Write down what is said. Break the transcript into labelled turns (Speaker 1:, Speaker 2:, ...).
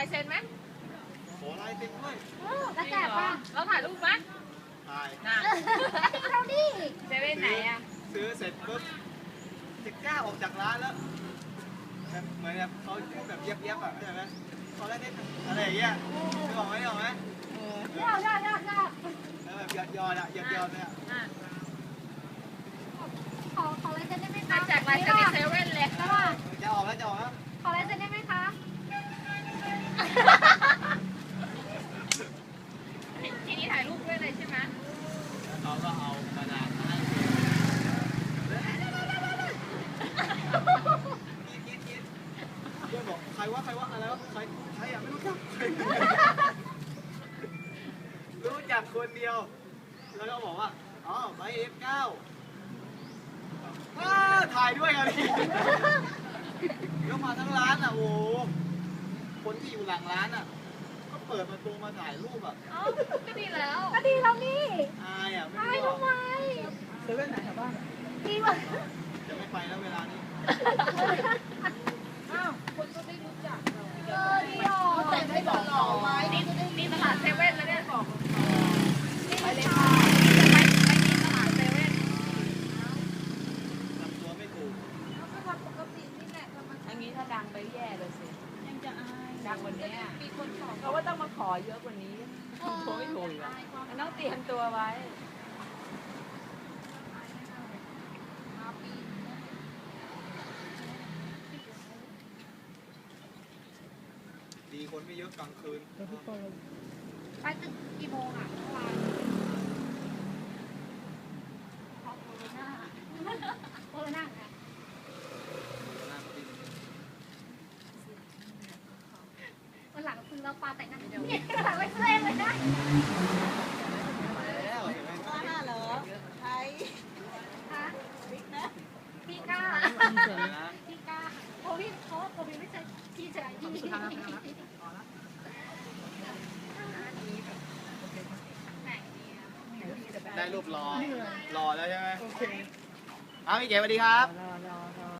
Speaker 1: ายเซ็นไหม
Speaker 2: ขอลายเซ็นด้วย
Speaker 3: แล้วแจกป่ะ
Speaker 1: เราถ่ายรูปไหม
Speaker 2: ถ่าย
Speaker 1: น่ะ
Speaker 3: เราดิ
Speaker 1: เซเว่นไหนอ่ะ
Speaker 2: ซื้อเสร็จปุ๊บจะกล้าออกจากร้านแล้วแบบเหมือนแบบเขาพูดแบบเย็บๆอ่ะเข้าใจไหมเขาได้อะไรอย่างเงี้ยนึกออกไหมนึกออกไหม
Speaker 3: ยอด
Speaker 2: แล้วแบบยอดอ่ะยอดเลยอ่ะ
Speaker 3: ขอลายเซ็นได้ไหมคะ
Speaker 1: แจกลายเซ็นในเซเว่นเลย
Speaker 2: จะออกแล้ว
Speaker 3: ขอลายเซ็นได้ไหมคะ
Speaker 1: ทีนี้ถ่ายรูปด้วยเลยใช่ไหม
Speaker 2: แล้วเขาก็เอากระดาษมาให้คิดเพื่อนบอกใครวะอะไรวะใครอ่ะไม่รู้จักรู้จักคนเดียวแล้วก็บอกว่าอ๋อใบF9ถ่ายด้วยกันดิก็มาทั้งร้านอ่ะโอ้คนที่อยู่หลังร้านอ่ะก็เปิดประตูมาถ่ายรูปอ่ะ
Speaker 1: ก็ดีแล้ว
Speaker 3: นี่
Speaker 2: อายอ่ะไม่
Speaker 3: ทำไม
Speaker 1: เซเว่นไหนแถวบ้าน
Speaker 3: ดีว่ะ
Speaker 2: จะไม่ไปแล้วเวลานี้
Speaker 1: อ้าวคนก็ไม่รู้จักเรา
Speaker 3: ดีอ่ะ
Speaker 1: แต่ไม่บอกหรอไว้นี่ตลาดเซเว่นแล้วเนี่ยบอกไปเลยค่ะไปที่ตลาดเซเว่น
Speaker 2: ทำตัวไม่ถูก
Speaker 1: อันนี้ถ้าดังไปแย่เลยสิยังจะอายดังวันนี้เพราะว่าต้องมาขอเยอะกว่านี้ทำตัวไม่ถูกอ่ะต้องเตรียมตัวไว้
Speaker 2: ดีคนไม่เยอะกลางคืน
Speaker 3: ไปตึกกี่โมงอ่ะเมื่อวานโคโรนาค่ะวันหลังคือเราปาแต่งหน้าเนี่ยหลังไปเล่นเลยนะ
Speaker 2: แล้วเห็นไหม
Speaker 3: เหรอใครฮะพี่ก้าโควิดโควิดไม่ใช่พี่ชายพี่
Speaker 2: ได้รูปรอแล้วใช่ไหมโอเคพี่เก๋สวัสดีครับ